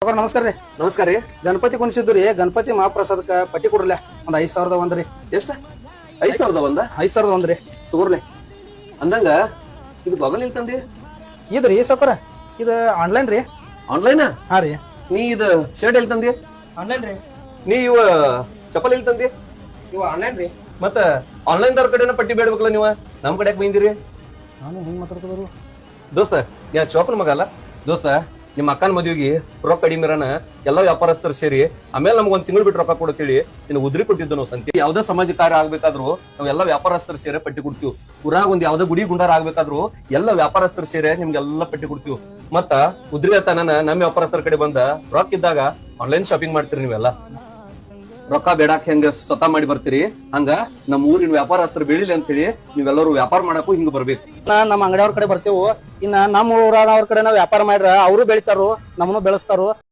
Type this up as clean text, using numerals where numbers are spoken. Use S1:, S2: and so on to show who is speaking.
S1: ನಮಸ್ಕಾರ ರೀ.
S2: ನಮಸ್ಕಾರ ರೀ.
S1: ಗಣಪತಿ ಕುಣಿಸಿದ್ದು ರೀ. ಗಣಪತಿ ಮಹಾಪ್ರಸಾದಕ್ಕ ಪಟ್ಟಿ ಕೊಡ್ರಲ್ಲ. ಒಂದ್ 5,000 ರೀ.
S2: ಎಷ್ಟ? 5,000
S1: 5,000 ರೀ.
S2: ತಗೋರ್ಲೆ. ಅಂದಂಗ ಇದು ಬಗಲ್ ಇಲ್ಲಿ ತಂದಿ?
S1: ಇದ್ರಿ ಸೌಕರ ಇದು ಆನ್ಲೈನ್ ರೀ.
S2: ಆನ್ಲೈನ್?
S1: ಹಾ ರೀ.
S2: ನೀ ಇದು ಶರ್ಟ್ ಎಲ್ಲಿ ತಂದಿ?
S1: ಆನ್ಲೈನ್ ರೀ.
S2: ನೀ ಇವ ಚಪ್ಪಲ್ ಎಲ್ಲಿ ತಂದಿ?
S1: ಇವ ಆನ್ಲೈನ್ ರೀ.
S2: ಮತ್ತ ಆನ್ಲೈನ್ ದವ್ರ ಕಡೆನ ಪಟ್ಟಿ ಬೇಡ್ಬೇಕಲ್ಲ ನೀವ, ನಮ್ ಕಡೆ ಬಂದಿರಿ?
S1: ನಾನು ಹೆಂಗ್ ಮಾತಾಡ್ತದ್ರು
S2: ದೋಸ್ತ ಯಾ ಚೋಪನ್ ಮಗ ಅಲ್ಲ ದೋಸ್ತ. ನಿಮ್ಮ ಅಕ್ಕನ ಮದುವೆಗೆ ರೊಕ್ಕ ಕಡಿಮೆ ಇರೋಣ ಎಲ್ಲ ವ್ಯಾಪಾರಸ್ಥರು ಸೇರಿ ಆಮೇಲೆ ನಮ್ಗೆ ಒಂದ್ ತಿಂಗಳು ಬಿಟ್ಟು ರೊಕ್ಕ ಕೊಡ್ತೀವಿ. ಇನ್ನು ಉದ್ರಿ ಕೊಟ್ಟಿದ್ದು ನಾವು ಸಂತೆ. ಯಾವ್ದೇ ಸಮಾಜ ಕಾರ್ಯ ಆಗ್ಬೇಕಾದ್ರು ನಾವೆಲ್ಲ ವ್ಯಾಪಾರಸ್ಥರು ಸೇರಿ ಪಟ್ಟಿ ಕೊಡ್ತೀವಿ. ಊರಾಗ ಒಂದ್ ಯಾವ್ದೇ ಗುಡಿ ಗುಂಡಾರ ಆಗ್ಬೇಕಾದ್ರು ಎಲ್ಲ ವ್ಯಾಪಾರಸ್ಥರು ಸೇರಿ ನಿಮ್ಗೆಲ್ಲ ಪಟ್ಟಿ ಕೊಡ್ತೀವಿ. ಮತ್ತ ಉದ್ರಿ ತನನ ನಮ್ಮ ವ್ಯಾಪಾರಸ್ಥರ ಕಡೆ ಬಂದ ರೊಕ್ಕ ಇದ್ದಾಗ ಆನ್ಲೈನ್ ಶಾಪಿಂಗ್ ಮಾಡ್ತೀರಿ ನೀವೆಲ್ಲ. ರೊಕ್ಕ ಬೇಡಾಕ್ ಹೆಂಗ ಸ್ವತಃ ಮಾಡಿ ಬರ್ತೀರಿ ಹಂಗ ನಮ್ಮ ಊರಿನ ವ್ಯಾಪಾರಸ್ಥರು ಬೆಳಿಲಿ ಅಂತ ಹೇಳಿ ನೀವೆಲ್ಲರೂ ವ್ಯಾಪಾರ ಮಾಡಕ್ಕೂ ಹಿಂಗ ಬರ್ಬೇಕು.
S1: ನಮ್ಮ ಅಂಗಡಿಯವ್ರ ಕಡೆ ಬರ್ತೇವು. ಇನ್ನ ನಮ್ಮ ಊರವ್ರ ಕಡೆ ನಾವ್ ವ್ಯಾಪಾರ ಮಾಡ್ರ ಅವರು ಬೆಳಿತಾರು, ನಮ್ಮನ್ನು ಬೆಳೆಸ್ತಾರು.